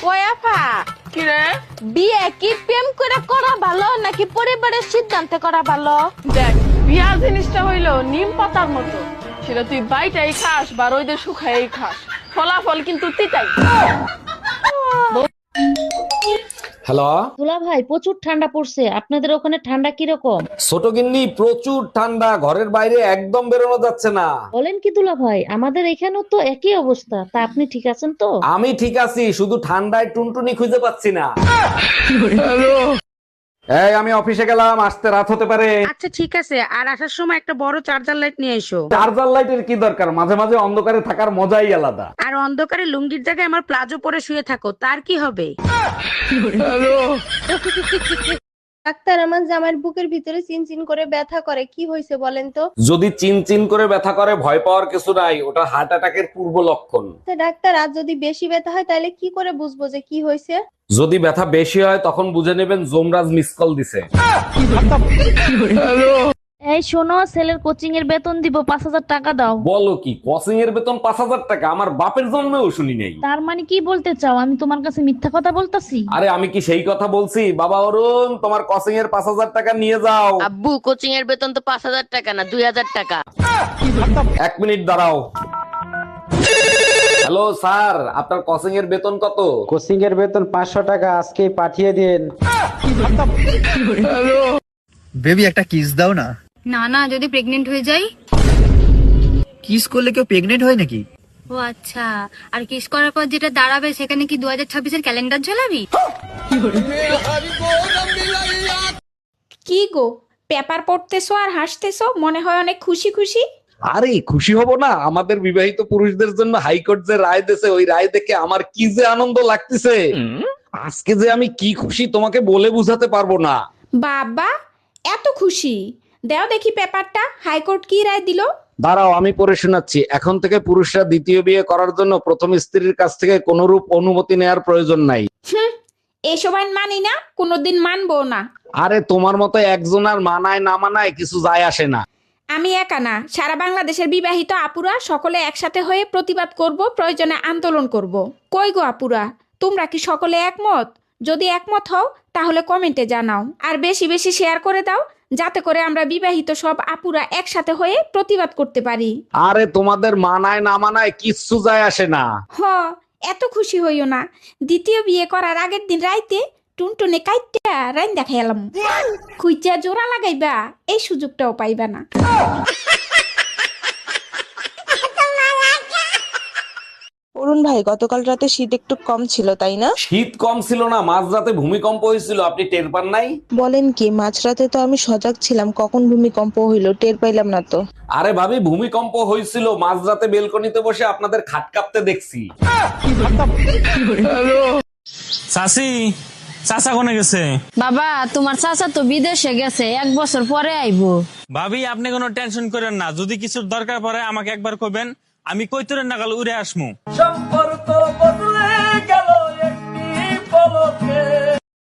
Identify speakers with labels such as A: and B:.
A: ওয়াফা
B: কি রে?
A: বিয়ে কি প্রেম করে করা ভালো নাকি পরিবারের সিদ্ধান্তে করা ভালো?
B: দেখ, বিয়া জিনিসটা হইলো নিম পাতার মতো, সেটা তুই বাইটাই খাস বা রোদে শুকাই খাস, ফলাফল কিন্তু তিতাই।
C: হ্যালো,
D: দুলা ভাই প্রচুর ঠান্ডা পড়ছে, আপনাদের ওখানে ঠান্ডা কিরকম?
C: ছোট গিন্নি প্রচুর ঠান্ডা, ঘরের বাইরে একদম বেরোনো যাচ্ছে না।
D: বলেন কি দুলা ভাই, আমাদের এখানেও তো একই অবস্থা। তা আপনি ঠিক আছেন তো?
C: আমি ঠিক আছি, শুধু ঠান্ডায় টুনটুনি খুঁজে পাচ্ছি না। এই আমি অফিসে গেলাম, আসতে রাত হতে পারে।
E: আচ্ছা ঠিক আছে, আর আসার সময় একটা বড় চার্জার লাইট নিয়ে এসো।
C: চার্জার লাইটের কি দরকার, মাঝে মাঝে অন্ধকারে থাকার মজাই আলাদা।
E: আর অন্ধকারে লুঙ্গির জায়গায় আমার প্লাজো পরে শুয়ে থাকো, তার কি হবে?
A: ডাক্তার, আমার জামাইয়ের বুকের ভিতরে চিনচিন করে ব্যথা করে, কি হয়েছে বলেন তো?
C: যদি চিন চিন করে ব্যথা করে ভয় পাওয়ার কিছু নাই, ওটা হার্ট অ্যাটাকের পূর্ব লক্ষণ।
A: তা ডাক্তার, আর যদি বেশি ব্যথা হয় তাহলে কি করে বুঝবো যে কি হয়েছে?
C: যদি ব্যথা বেশি হয় তখন বুঝে নেবেন যমরাজ মিস কল দিছে।
D: এই শোনো, ছেলের কোচিং এর বেতন দিব, 5,000 টাকা দাও।
C: বলো কি, কোচিং এর বেতন 5,000 টাকা? আমার বাপের জন্মেও শুনি নাই।
D: তার মানে কি বলতে চাও, আমি তোমার কাছে মিথ্যা কথা বলতাছি?
C: আরে আমি কি সেই কথা বলছি? বাবা অরুণ, তোমার কোচিং এর 5,000 টাকা নিয়ে যাও।
F: আব্বু, কোচিং এর বেতন তো 5,000 টাকা না, 2,000 টাকা।
C: 1 মিনিট দাঁড়াও। হ্যালো স্যার, আপনার কোচিং এর বেতন কত?
G: কোচিং এর বেতন 500 টাকা, আজকেই পাঠিয়ে দিন।
H: বেবি একটা কিস দাও না।
I: না না, যদি প্রেগনেন্ট হয়ে যাই?
H: কিস করলে কেউ প্রেগনেন্ট হয় নাকি?
I: ও আচ্ছা, আর কিস করার পর যেটা দাঁড়াবে সেখানে কি 2026-এর ক্যালেন্ডার ঝোলাবি?
A: কি গো, পেপার পড়তেছো আর হাসতেছো, মনে হয় অনেক খুশি খুশি।
C: আরে খুশি হব না, আমাদের বিবাহিত পুরুষদের জন্য হাইকোর্ট যে রায় দিয়েছে, ওই রায় দেখে আমার কি যে আনন্দ লাগতেছে। আজকে যে আমি কি খুশি তোমাকে বলে বুঝাতে পারবো না।
A: বাবা, এত খুশি? দাও দেখি পেপারটা, হাইকোর্ট কি রায় দিল?
C: দাঁড়াও আমি পড়ে শোনাচ্ছি। এখন থেকে পুরুষরা দ্বিতীয় বিয়ে করার জন্য প্রথম স্ত্রীর কাছ থেকে কোনরূপ অনুমতি নেওয়ার প্রয়োজন নাই।
A: এসব আইন মানি না, কোনোদিন মানবো না।
C: আরে তোমার মতো একজন আর মানায় না মানায় কিছু যায় আসে না।
A: আমি একা না, সারা বাংলাদেশের বিবাহিত আপুরা সকলে একসাথে হয়ে প্রতিবাদ করব, প্রয়োজনে আন্দোলন করব। কই গো আপুরা, তোমরা কি সকলে একমত? যদি একমত হও তাহলে কমেন্টে জানাও, আর বেশি বেশি শেয়ার করে দাও, যাতে করে আমরা বিবাহিত সব আপুরা একসাথে হয়ে প্রতিবাদ করতে পারি।
C: আরে তোমাদের মানায় না মানায় কিচ্ছু যায় আসে না।
A: হ, এত খুশি হইও না। দ্বিতীয় বিয়ে করার আগের দিন রাইতে টুনটুনে কাইটা রাইন দেখাইলাম। খুঁজা জোড়া লাগাইবা, এই সুযোগটাও পাইবা না।
J: অরুণ ভাই, গতকাল রাতে শীত একটু কম ছিল তাই না?
C: শীত কম ছিল না, মাঝরাতে ভূমিকম্প হয়েছিল, আপনি টের পান নাই?
J: বলেন কি, মাঝরাতে তো আমি সজাগ ছিলাম, কখন ভূমিকম্প হইলো টের পাইলাম না তো।
C: আরে ভাবি, ভূমিকম্প হয়েছিল মাঝরাতে, বেলকনিতে বসে আপনাদের খাট কাঁপতে দেখছি।
K: চাচি, চাচা কোনে গেছে?
F: বাবা, তোমার চাচা তো বিদেশে গেছে, 1 বছর পরে আইবো।
K: ভাবি আপনি কোনো টেনশন করেন না, যদি কিছুর দরকার পড়ে আমাকে একবার কইবেন, আমি কইতরের নাগাল উড়ে আসমু।